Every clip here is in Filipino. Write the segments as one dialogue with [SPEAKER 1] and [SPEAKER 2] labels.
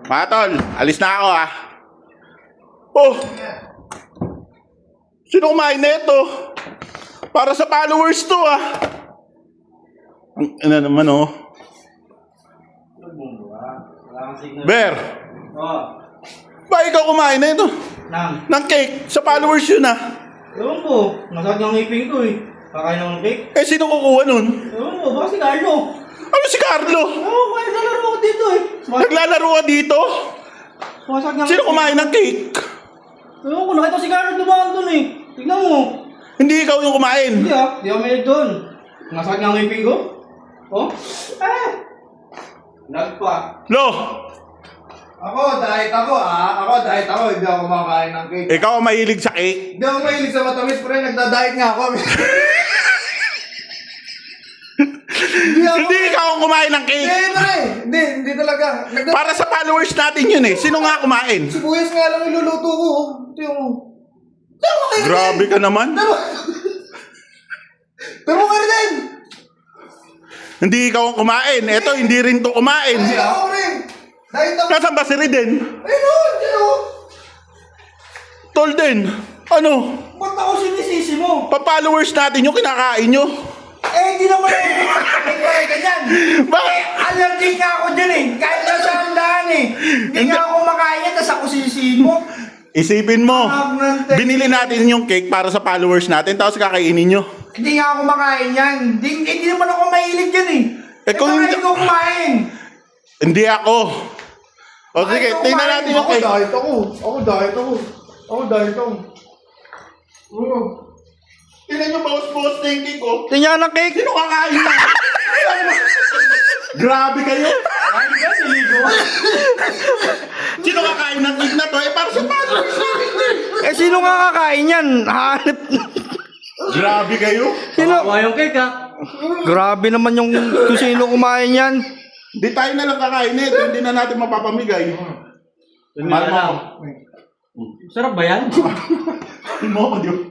[SPEAKER 1] Mga tol, alis na ako ah. Oh! Sino kumain na ito? Para sa followers to ah. Ano naman oh. Bear! Ba ikaw kumain na ito? Ng cake? Sa followers yun ah.
[SPEAKER 2] Ewan ko, nasag ng ngipin ko eh. Kakain ako ng cake.
[SPEAKER 1] Eh sino kukuha nun?
[SPEAKER 2] Ewan ko, baka si Carlo.
[SPEAKER 1] Ano si Carlo?
[SPEAKER 2] Oo, kaya naglalaro ako dito eh.
[SPEAKER 1] Naglalaro ka dito?
[SPEAKER 2] Sumasag ng
[SPEAKER 1] Sino kumain ng cake?
[SPEAKER 2] Ewan ko, nakita ko si Carlo dumaan dun eh. Tignan mo.
[SPEAKER 1] Hindi ikaw yung kumain.
[SPEAKER 2] Hindi ah, di ako may doon. Nasag ng ngipin ko. Oh? Nagpa.
[SPEAKER 1] Lo!
[SPEAKER 3] Ako, diet ako hindi ako kumakain ng cake.
[SPEAKER 1] Ikaw ang mahilig sa cake?
[SPEAKER 3] Hindi ako mahilig sa matamis, pre, nagda-diet nga ako.
[SPEAKER 1] Hindi ikaw ang kumain ng cake.
[SPEAKER 3] Hindi, pre, hindi talaga.
[SPEAKER 1] Para sa followers natin yun eh. Sino nga kumain?
[SPEAKER 3] Sibuyas nga lang iluluto ko. Tiyo mo.
[SPEAKER 1] Grabe ka naman.
[SPEAKER 3] Pero nga rin.
[SPEAKER 1] Hindi ikaw ang kumain. Eto, hindi rin to kumain.
[SPEAKER 3] Hindi ako rin. Diet ako.
[SPEAKER 1] Nasaan ba si Riden?
[SPEAKER 3] Ayun.
[SPEAKER 1] Tol din. Ano?
[SPEAKER 2] Ba't ako sinisisi mo?
[SPEAKER 1] Pa-followers natin yung kinakain nyo.
[SPEAKER 2] Hindi naman may ganyan.
[SPEAKER 1] Bakit?
[SPEAKER 2] Allergic nga ako dyan eh. Kahit nasa handaan eh. Hindi nga ako makain yan, tapos ako sisihin mo.
[SPEAKER 1] Isipin mo, binili natin yung cake para sa followers natin, tapos kakainin nyo.
[SPEAKER 2] Hindi nga ako makain yan. Hindi naman ako mahilig yan eh.
[SPEAKER 1] Kung
[SPEAKER 2] hindi ko kumain.
[SPEAKER 1] Hindi ako. O sige, tingnan natin yung cake.
[SPEAKER 3] Ako diet ako.
[SPEAKER 1] Tingnan nyo, bawas-bawas na yung cake ko.
[SPEAKER 2] Tingnan ng cake.
[SPEAKER 1] Sino kakain na? Grabe kayo. Sino kakain ng cake na to? Eh, para sa followers natin.
[SPEAKER 2] Sino nga kakain yan? Hanip.
[SPEAKER 1] Grabe kayo.
[SPEAKER 2] Sino? Yung cake ha? Grabe naman yung kung sino kumain yan.
[SPEAKER 1] Di tayo na lang kakain nito, hindi na natin mapapamigay. Mahal mo ako.
[SPEAKER 2] Sarap ba yan?
[SPEAKER 1] Mahal mo ako, Diyo.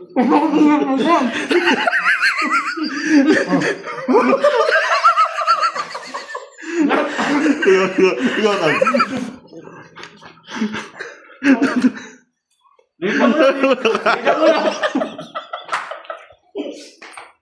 [SPEAKER 1] Ikaw, Tol.
[SPEAKER 2] Dito mo na.